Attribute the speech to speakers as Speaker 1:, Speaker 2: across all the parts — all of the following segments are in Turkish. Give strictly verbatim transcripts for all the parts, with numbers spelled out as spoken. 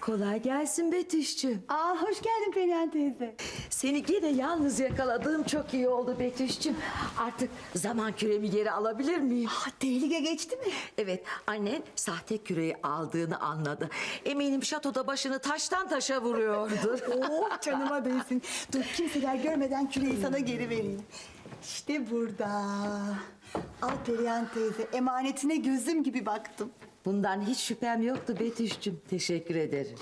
Speaker 1: Kolay gelsin Betüş'cüğüm.
Speaker 2: Aa, hoş geldin Perihan teyze.
Speaker 1: Seni gene yalnız yakaladığım çok iyi oldu Betüş'cüğüm. Artık zaman küremi geri alabilir miyim?
Speaker 2: Aa, tehlike geçti mi?
Speaker 1: Evet, annen sahte küreyi aldığını anladı. Eminim şatoda başını taştan taşa vuruyordur.
Speaker 2: Oh, canıma değsin. Dur, kimseler görmeden küreyi sana geri vereyim. İşte burada. Al Perihan teyze, emanetine gözüm gibi baktım.
Speaker 1: Bundan hiç şüphem yoktu Betüş'cüğüm. Teşekkür ederim.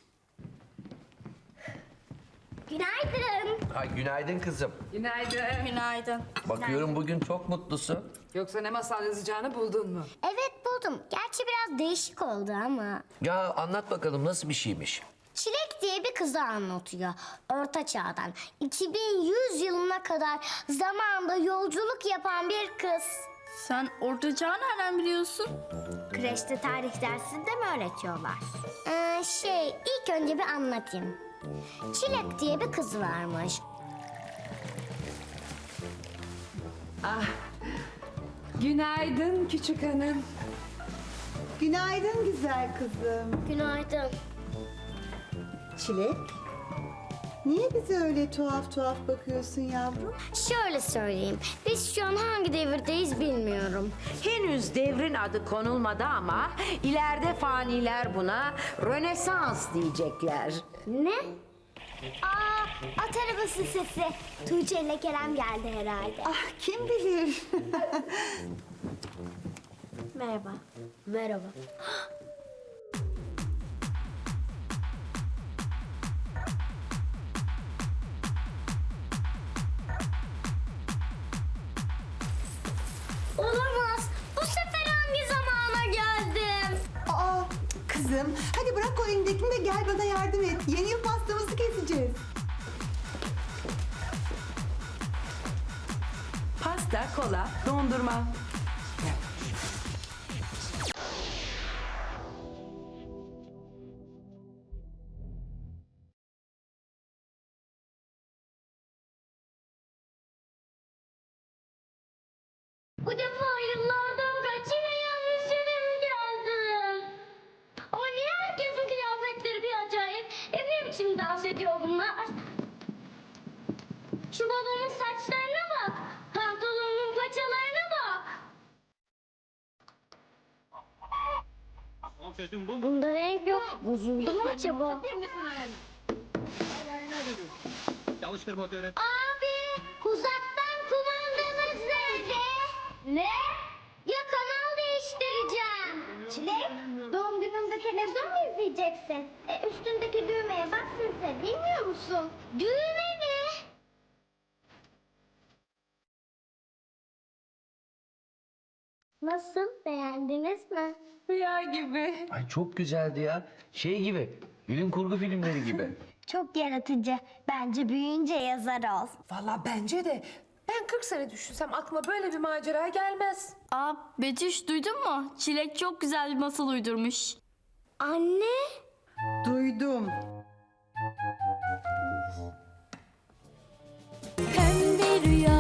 Speaker 3: Günaydın.
Speaker 4: Ha, günaydın kızım.
Speaker 5: Günaydın.
Speaker 3: Günaydın.
Speaker 4: Bakıyorum bugün çok mutlusun.
Speaker 5: Yoksa ne masal yazacağını buldun mu?
Speaker 3: Evet buldum. Gerçi biraz değişik oldu ama.
Speaker 4: Ya anlat bakalım nasıl bir şeymiş?
Speaker 3: Çilek diye bir kızı anlatıyor. Orta çağdan iki bin yüz yılına kadar zamanda yolculuk yapan bir kız.
Speaker 6: Sen orta çağı nereden biliyorsun?
Speaker 3: Kreşte tarih dersinde mi öğretiyorlar? Ee, şey ilk önce bir anlatayım. Çilek diye bir kız varmış.
Speaker 5: Günaydın küçük hanım.
Speaker 2: Günaydın güzel kızım.
Speaker 3: Günaydın.
Speaker 2: Çilek, niye bize öyle tuhaf tuhaf bakıyorsun yavrum?
Speaker 3: Şöyle söyleyeyim. Biz şu an hangi devirdeyiz bilmiyorum.
Speaker 7: Henüz devrin adı konulmadı ama ileride faniler buna Rönesans diyecekler.
Speaker 3: Ne? Aa, at arabası sesi. Tuğçe ile Kerem geldi herhalde.
Speaker 2: Ah, kim bilir?
Speaker 3: Merhaba. Merhaba. Olamaz. Bu sefer hangi zamana geldim?
Speaker 2: Aa, kızım, hadi bırak o elindekini de gel bana yardım et. Yeni yıl pastamızı keseceğiz.
Speaker 1: Pasta, kola, dondurma.
Speaker 3: Bu defa yıllardan kaç yine yanlış yere mi geldim? Ama niye herkesin kıyafetleri bir acayip? E ne biçim dans ediyor bunlar? Şu babamın saçlarına bak. Pantolonun paçalarına bak. Bunda renk yok. Bozuldu mu acaba? Abi, uzaktan kumandamız nerede? Ne? Ya kanal değiştireceğim. Çilek, doğum gününde televizyon mu izleyeceksin? E, üstündeki düğmeye bak sen, bilmiyor musun? Düğme mi? Nasıl, beğendiniz mi?
Speaker 5: Rüya gibi.
Speaker 4: Ay çok güzeldi ya. Şey gibi, bilim kurgu filmleri gibi.
Speaker 3: Çok yaratıcı. Bence büyüyünce yazar ol.
Speaker 5: Vallahi bence de. Ben kırk sene düşünsem aklıma böyle bir macera gelmez.
Speaker 6: Aa, Betüş duydun mu? Çilek çok güzel bir masal uydurmuş.
Speaker 3: Anne.
Speaker 2: Duydum.
Speaker 6: Pembe rüya